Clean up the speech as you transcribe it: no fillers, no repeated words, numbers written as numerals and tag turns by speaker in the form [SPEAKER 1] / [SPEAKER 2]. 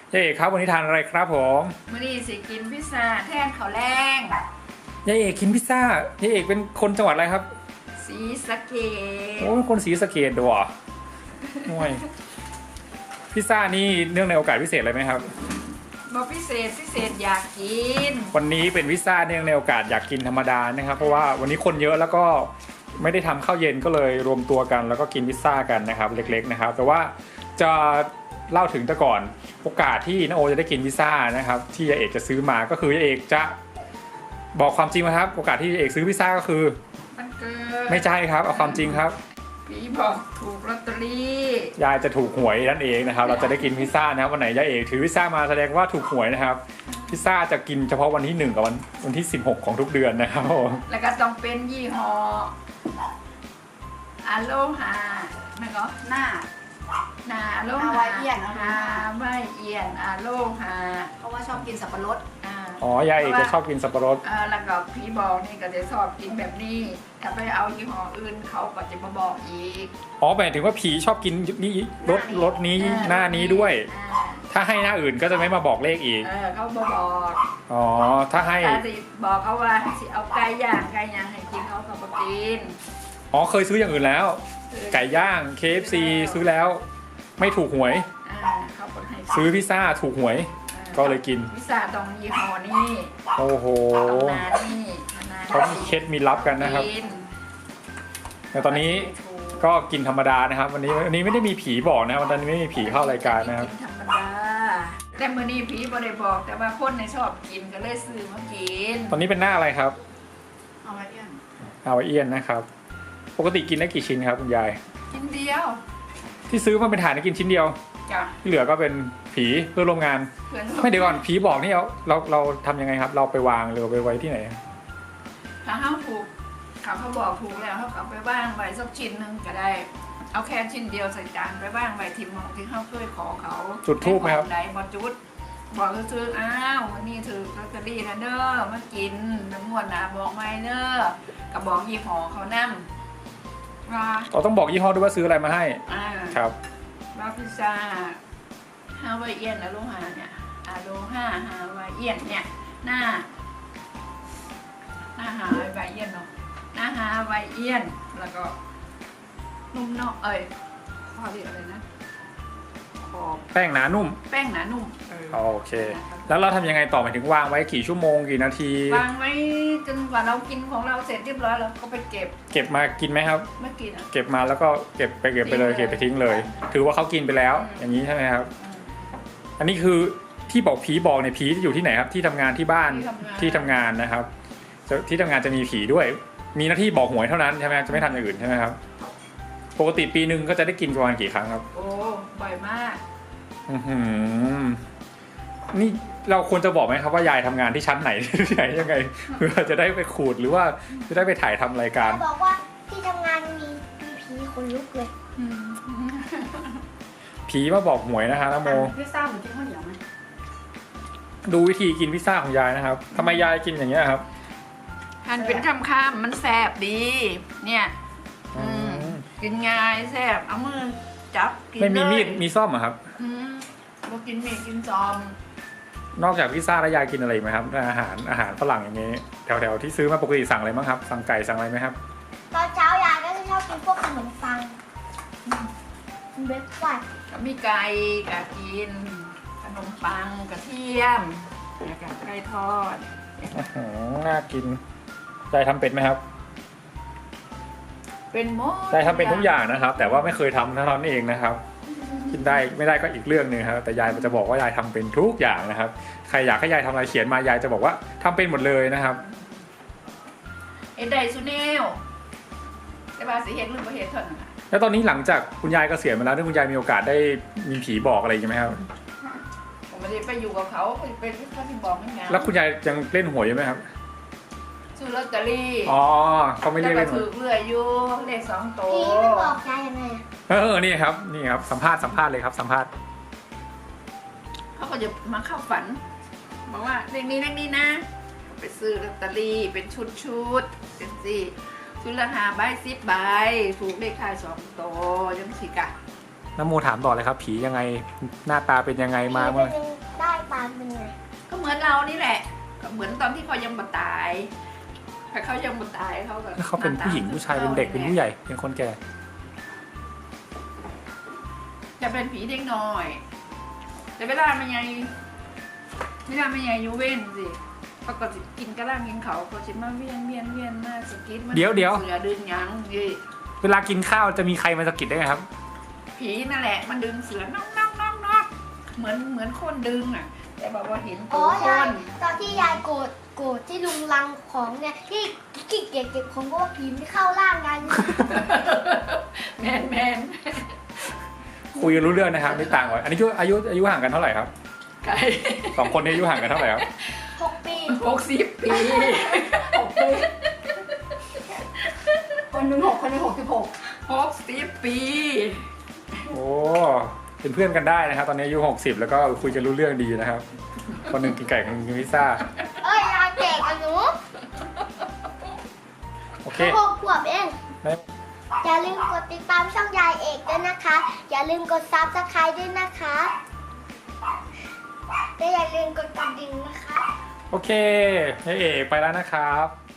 [SPEAKER 1] ยายเอกครับวันนี้ทานอะไรครับผม
[SPEAKER 2] มื้อนี้สิกินพิซซ่าแทนข้าวแรง
[SPEAKER 1] ยายเอกกินพิซซ่ายายเอกเป็นคนจังหวัดอะไรครับ
[SPEAKER 2] ศรีสะเกษ
[SPEAKER 1] โอ้คนศรีสะเกษด้วยห่วยพิซซ่านี่เนื่องในโอกาสพิเศษอะไรไหมครับ
[SPEAKER 2] บ่พิเศษอยากกิน
[SPEAKER 1] วันนี้เป็นพิซซ่าเนื่องในโอกาสอยากกินธรรมดานะครับเพราะว่าวันนี้คนเยอะแล้วก็ไม่ได้ทำข้าวเย็นก็เลยรวมตัวกันแล้วก็กินพิซซ่ากันนะครับเล็กๆนะครับแต่ว่าจะเล่าถึงแต่ก่อนโอกาสที่น้าโอจะได้กินพิซซ่านะครับที่ยายเอกจะซื้อมาก็คือยายเอกจะบอกความจริงนะครับโอกาสที่ยายเอกซื้อพิซซ่าก็คือ
[SPEAKER 2] มันเกิด
[SPEAKER 1] ไม่ใช่ครับเอาความจริงครับ
[SPEAKER 2] ผีบอกถูกลอตเตอรี่
[SPEAKER 1] ยายจะถูกหวยนั่นเองนะครับเราจะได้กินพิซซ่านะครับวันไหนยายเอกถือพิซซ่ามาแสดงว่าถูกหวยนะครับพิซซ่าจะกินเฉพาะวันที่1กับวันที่16ของทุกเดือนนะครับ
[SPEAKER 2] แล้วก็ต้องเป็นยี่ห้ออโลฮาแม่ก็หน้าอโลฮา
[SPEAKER 3] ฮาวายเอียน
[SPEAKER 2] ฮาวายเอียนอโลฮา
[SPEAKER 3] เพราะว่าชอบกินสับปะรด
[SPEAKER 1] อ๋อยายเอกจะชอบกินสับปะรด
[SPEAKER 2] แล้วก็ผีบอกนี่ก็จะชอบกินแบบนี้ถ้าไปเอายี่ห้ออื่นเขาก็จะมาบอกอีก
[SPEAKER 1] อ๋อหมายถึงว่าผีชอบกินนี่รสนี้หน้านี้ด้วยถ้าให้หน้าอื่นก็จะไม่มาบอกเลขอีก
[SPEAKER 2] เขาบอก
[SPEAKER 1] อ๋อถ้าให้
[SPEAKER 2] บอกเขาว่าสิเอาไก่ย่างให้กินเขาก็บอกกิน
[SPEAKER 1] อ๋อเคยซื้ออย่างอื่นแล้วไก่ย่าง KFC ซื้อแล้วไม่ถูกหวยซื้อพิซซ่าถูกหวยก็เลยกิน
[SPEAKER 2] พิซซ่าตรงยี่ห้อนี้
[SPEAKER 1] โอ้โหเขามีเคล็ดมีลับกันนะครับแต่ตอนนี้ก็กินธรรมดานะครับวันนี้ไม่ได้มีผีบอกนะครับวันนี้ไม่มีผีเข้ารายการนะครับ
[SPEAKER 2] ธรรมดาแต่มื้อนี้ผีบ่ได้บอกแต่ว่าคนในชอบกินก็เลยซื้อมากิน
[SPEAKER 1] ตอนนี้เป็นหน้าอะไรครับ
[SPEAKER 2] ฮาวายเอียน
[SPEAKER 1] นะครับปกติกินได้กี่ชิ้นครับคุณยาย
[SPEAKER 2] ชิ้นเดียว
[SPEAKER 1] ที่ซื้อมาเป็นฐานกินชิ้นเดียวที่เหลือก็เป็นผีเพื่อนร่วมงานไม่เดี๋ยวก่อนผีบอกนี่เราทำยังไงครับเราไปวางหรือไปไว้ที่ไหน
[SPEAKER 2] ถ้าเขาถูกเขาบอกถูกแล้วเขาเอาไปบ้างไว้สักชิ้นนึงก็ได้เอาแค่ชิ้นเดียวใส่จานไปบ้างไว้ทิมของที่เขาเคยขอเขา
[SPEAKER 1] จุดทูบไหมครับ
[SPEAKER 2] ไหนบอกจุดบอกซื้ออ้าววันนี้ถือลอตเตอรี่นะเด้อมากินน้ำมวนนะบอกไม่เด้อกับบอกยี่ห้อเขานั่ง
[SPEAKER 1] เราต้องบอกยี่ห้อด้วยว่าซื้ออะไรมาให้ครับ
[SPEAKER 2] ว่าพิซซ่าฮาวายเอียนอโลฮาเนี่ยอโลฮาฮาวายเอียนเนี่ยหน้าฮาวายเอียนเนาะหน้าฮาวายเอียนแล้วก็นุ่มนอกข้อเรียกอะไรนะ
[SPEAKER 1] แป้งหนานุ่มโอเคแล้วเราทำยังไงต่อหมายถึงวางไว้กี่ชั่วโมงกี่นาที
[SPEAKER 2] วางไว้จนกว่าเรากินของเราเสร็จเรียบร้อยแล้วก็ไปเก็บ
[SPEAKER 1] มากินไหมครับ
[SPEAKER 2] ไม่กิน
[SPEAKER 1] เก็บมาแล้วก็เก็บไปเลยเก็บไปทิ้งเลยถือว่าเขากินไปแล้วอย่างนี้ใช่ไหมครับอันนี้คือที่บอกผีบอกเนี่ยผีจะอยู่ที่ไหนครับที่ทำงานที่บ้านที่ทำงานนะครับที่ทำงานจะมีผีด้วยมีหน้าที่บอกหวยเท่านั้นใช่ไหมจะไม่ทำอย่างอื่นใช่ไหมครับปกติปีนึงก็จะได้กินประมาณกี่ครั้งครับ
[SPEAKER 2] โอ้บ่อยมาก
[SPEAKER 1] นี่เราควรจะบอกไหมครับว่ายายทำงานที่ชั้นไหนที่ไหนยังไงเพื่อจะได้ไปขูดหรือว่าจะได้ไปถ่ายทำรายการ
[SPEAKER 3] บอกว่าที่ทำงานมีผีคนลุกเลย
[SPEAKER 1] ผีมาบอกหวยนะคะน้ำโม
[SPEAKER 2] พิซซ่าเหมือนกินข้าวเหนียวไหม
[SPEAKER 1] ดูวิธีกินพิซซ่าของยายนะครับทำไมยายกินอย่างเงี้ยครับ
[SPEAKER 2] หั่นเป็นข้ามๆมันแซ่บดีเนี่ยกินง่ายแซ่บเอามือจับกิน
[SPEAKER 1] ไม่มีมีดมีซ่อมเหรอครับ
[SPEAKER 2] เรากินมีดกินจอม
[SPEAKER 1] นอกจากพิซซ่าแล้วยายกินอะไรไหมครับอาหารฝรั่งอย่างนี้แถวที่ซื้อมาปกติสั่งอะไรบ้างครับสั่งไก่สั่งอะไรไหมครับ
[SPEAKER 3] ตอนเช้ายายก็จะชอบกินพวกขนมปังเบรกฟาสต์
[SPEAKER 2] มีไก่กับกินขนมปังกระเทียมกับไก่ทอด
[SPEAKER 1] น่ากินยายทำเป็นไหมครับ
[SPEAKER 2] เป็นหมด
[SPEAKER 1] ยายทำเป็นทุกอย่างนะครับแต่ว่าไม่เคยทำเท่านั้นเองนะครับกินได้ไม่ได้ก็อีกเรื่องนึงครับแต่ยายจะบอกว่ายายทำเป็นทุกอย่างนะครับใครอยากให้ยายทำอะไรเขียนมายายจะบอกว่าทำเป็นหมดเลยนะครับ
[SPEAKER 2] ได้สุเนลแต่ว่าสิเห็นหรือไม่เห็นเท่านั้น
[SPEAKER 1] แล้วตอนนี้หลังจากคุณยายเกษียณมาแล้วที่คุณยายมีโอกาสได้มีผีบอกอะไรใช่ไหมครับ
[SPEAKER 2] ผมไม่ได้ไปอยู่กับเขาเป็นเขาที่บอกไม่ไง
[SPEAKER 1] แล้วคุณยายยังเล่นหวยอยู่ไหมครับ
[SPEAKER 2] ซื้อลอตเตอรี่
[SPEAKER 1] เขาไม่เรียกเล่นหวย
[SPEAKER 2] ถือเรื่อยอยู่เลข2 ตัว
[SPEAKER 3] ผีไม่บอกยายยังไง
[SPEAKER 1] นี่ครับสัมภาษณ์เลยครับสัมภาษณ์
[SPEAKER 2] เขาก็จะมาเข้าฝันบอกว่าเลขนี้นะไปซื้อลอตเตอรี่เป็นชุดเป็นชุดละ5 ใบ 10 ใบถูกเลขท้าย2 ตัวยังสิกะ
[SPEAKER 1] น้ำโมถามต่อเลยครับ ผียังไงหน้าตาเป็นยังไงมา
[SPEAKER 3] มั
[SPEAKER 1] เมื่อ
[SPEAKER 3] นได้ปานเป็นไง
[SPEAKER 2] ก็เหมือนเรานี่แหละก็เหมือนตอนที่เขายังบ่ตายถ้าเขายังบ่ตายเขาก็
[SPEAKER 1] เขาเป็นผู้หญิงผู้ชายเป็นเด็กเป็นผู้ใหญ่เป็นคนแก่
[SPEAKER 2] จะเป็นผีเด็กน้อย แต่เวลามันยังอยู่เว้นสิเขาก็สิกินกระล่างกินเขาก็สิมาเวียนมาสกิดมัน
[SPEAKER 1] เดี๋ยว
[SPEAKER 2] เสือดึงหยังดิ
[SPEAKER 1] เวลากินข้าวจะมีใครมาสะกิดได้ไงครับ
[SPEAKER 2] ผีนั่นแหละมันดึงเสือน้องเหมือนคนดึงอ่ะ แต่บอกว่าเห็น
[SPEAKER 3] อ๋
[SPEAKER 2] ตั
[SPEAKER 3] อ
[SPEAKER 2] วค
[SPEAKER 3] ยาย
[SPEAKER 2] น
[SPEAKER 3] ตอนที่ยายโกรธที่ลุงลังของเนี่ยที่ขี้เกียจเก็บของเพราะว่าผีไม่เข้าร่างกัน
[SPEAKER 2] แมน
[SPEAKER 1] คุยกันรู้เรื่องนะครับไม่ต่างกันอันนี้อายุห่างกันเท่าไหร่ครับ
[SPEAKER 2] ไก่
[SPEAKER 1] สองคนนี้อายุห่างกันเท่าไหร่ครับ
[SPEAKER 3] 6 ปี
[SPEAKER 2] 60 ปี
[SPEAKER 4] คนหนึ่ง6 คนหนึ่ง66
[SPEAKER 2] 60 ปี
[SPEAKER 1] โอ้เป็นเพื่อนกันได้นะครับ ตอนนี้อายุ60แล้วก็คุยกันรู้เรื่องดีนะครับ คนหนึ่งกินไก่คนหนึ่งกินพิซซ่า
[SPEAKER 3] เอ้ยยายแก่กับหนู
[SPEAKER 1] โอเค
[SPEAKER 3] 6 ขวบเอง
[SPEAKER 1] ได้
[SPEAKER 3] อย่าลืมกดติดตามช่องยายเอกด้วยนะคะ อย่าลืมกดซับสไครต์ด้วยนะคะและอย่าลืมกดกระดิ่งนะคะ
[SPEAKER 1] โอเคเอ๋ไปแล้วนะครับ